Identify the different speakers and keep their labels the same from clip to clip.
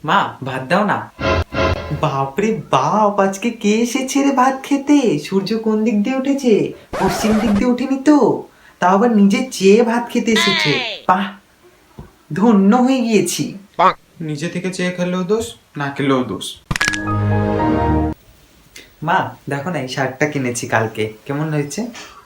Speaker 1: মা ভাত দাও না। বাপরে বাপ, আজকে কে এসেছে রে ভাত খেতে? সূর্য কোন দিক দিয়ে উঠেছে? পশ্চিম দিক দিয়ে উঠেনি তো? তাও আবার নিজে চেয়ে ভাত খেতে এসেছে। বাহ, ধন্য হয়ে গিয়েছি।
Speaker 2: নিজে থেকে চেয়ে খেলেও দোষ, না খেলেও দোষ।
Speaker 1: মা দেখো না, এই শার্টটা কিনেছি কালকে, কেমন হয়েছে?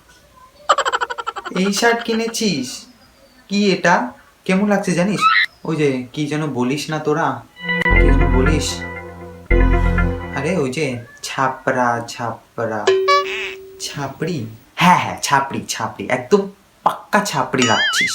Speaker 2: এই শার্ট কিনেছিস? কি এটা? কেমন লাগছে জানিস? ওই যে কি যেন বলিস না তোরা, কি যেন বলিস, আরে ওই যে ছাপড়া ছাপড়া।
Speaker 1: ছাপড়ি? হ্যাঁ হ্যাঁ, ছাপড়ি ছাপড়ি, একদম পাক্কা ছাপড়ি লাগছিস।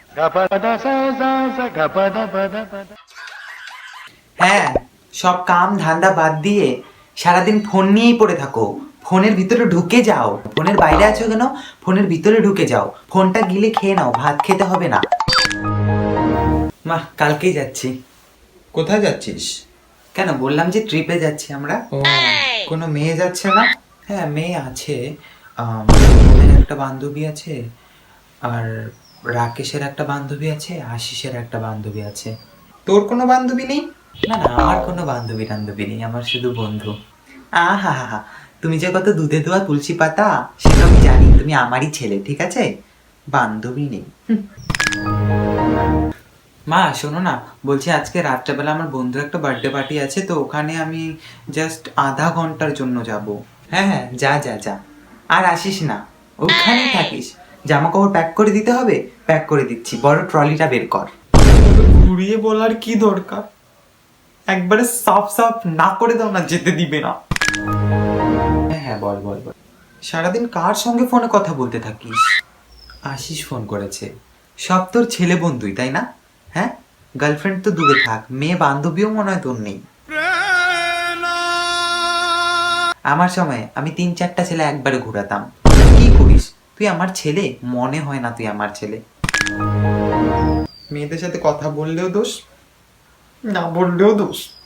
Speaker 1: হ্যাঁ, সব কাম ধান্দা বাদ দিয়ে সারাদিন ফোন নিয়েই পড়ে থাকো। ফোনের ভিতরে ঢুকে যাও। ফোনের বাইরে আছো কেন? ফোনের ভিতরে ঢুকে যাও। ফোনটা গিলে খেয়ে নাও, ভাত খেতে হবে না। মা কালকেই যাচ্ছি।
Speaker 2: কোথায় যাচ্ছিস?
Speaker 1: কেন, বললাম যে ট্রিপে যাচ্ছি আমরা।
Speaker 2: ও, কোনো মেয়ে যাচ্ছে না?
Speaker 1: হ্যাঁ মেয়ে আছে, শুভমের একটা বান্ধবী আছে, আর রাকেশের একটা বান্ধবী আছে, আশিসের একটা বান্ধবী আছে।
Speaker 2: তোর কোনো বান্ধবী নেই?
Speaker 1: না না, আমার কোনো বান্ধবী টান্ধবী নেই, আমার শুধু বন্ধু। আহা হা হা, তুমি যে কত দুধে ধোয়া তুলসী পাতা সেটা আমি জানি, তুমি আমারই ছেলে, ঠিক আছে? বান্ধবী নেই। মা শোনো না, বলছি আজকে রাত্রেবেলা আমার বন্ধুর একটা বার্থডে পার্টি আছে, তো ওখানে আমি জাস্ট আধা ঘন্টার জন্য যাব। হ্যাঁ হ্যাঁ, যা যা যা, আর আসিস না, ওখানেই থাকিস। জামা কাপড় প্যাক করে দিতে হবে, প্যাক করে দিচ্ছি, বড় ট্রলিটা বের কর।
Speaker 2: ঘুরিয়ে বলার কি দরকার? একবারে সাফ সাফ না করে দাও না, যেতে দিবে না।
Speaker 1: হ্যাঁ হ্যাঁ, বল বল বল।
Speaker 2: সারাদিন কার সঙ্গে ফোনে কথা বলতে থাকিস?
Speaker 1: আশিস ফোন করেছে। সব তোর ছেলে বন্ধুই তাই না? হ্যাঁ, গার্লফ্রেন্ড তো দূরে থাক, মেয়ে বান্ধবীও মনে হয় তোর নেই। আমার সময় আমি 3-4টা ছেলে একবারে ঘুরাতাম। কি করিস তুই? আমার ছেলে মনে হয় না তুই আমার ছেলে।
Speaker 2: মেয়েদের সাথে কথা বললেও দোষ, না বললেও দোষ।